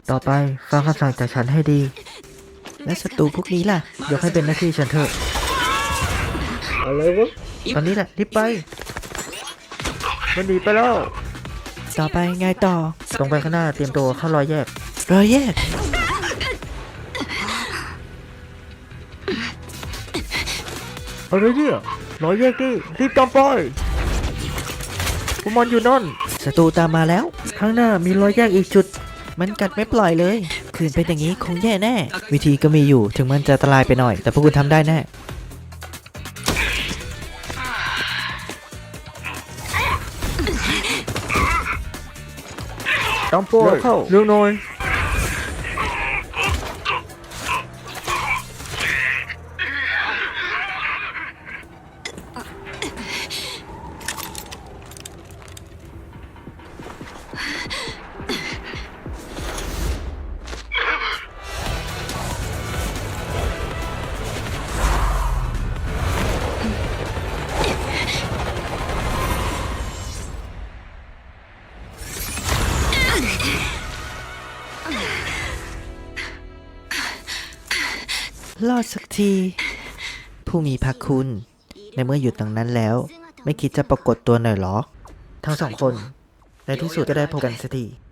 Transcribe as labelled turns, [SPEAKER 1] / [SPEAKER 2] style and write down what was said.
[SPEAKER 1] ต่อไปฟังคำสั่งจากฉันให้ดี
[SPEAKER 2] และศัตรูพวกนี้ล่ะ
[SPEAKER 1] ยกให้เป็นหน้าที่ฉันเถอะ
[SPEAKER 3] อะไรวะ
[SPEAKER 1] ตอนนี้แหละรีบไปมันหนีไปแล้ว
[SPEAKER 2] ต่อไปไงต่อ
[SPEAKER 1] ตรงไปข้างหน้าเตรียมตัวเข้ารอยแยก
[SPEAKER 2] รอยแยก
[SPEAKER 1] อะไรเนี่ยรอยแยกดิรีบตามไปพวกมันอยู่นั่น
[SPEAKER 2] ศัตรูตามมาแล้ว
[SPEAKER 1] ข้างหน้ามีรอยแยกอีกจุด
[SPEAKER 2] มันกัดไม่ปล่อยเลย คืนเป็นอย่างนี้คงแย่แน่ วิธีก็มีอยู่ถึงมันจะอันตรายไปหน่อย แต่พวกคุณทำได้แน่
[SPEAKER 1] ตามไปเรื่องน้อย
[SPEAKER 2] รอดสักที ผู้มีพระคุณ ในเมื่ออยู่ตรงนั้นแล้ว ไม่คิดจะปรากฏตัวหน่อยหรอ
[SPEAKER 1] ทั้งสองคนในที่สุดก็ได้พบกันสักที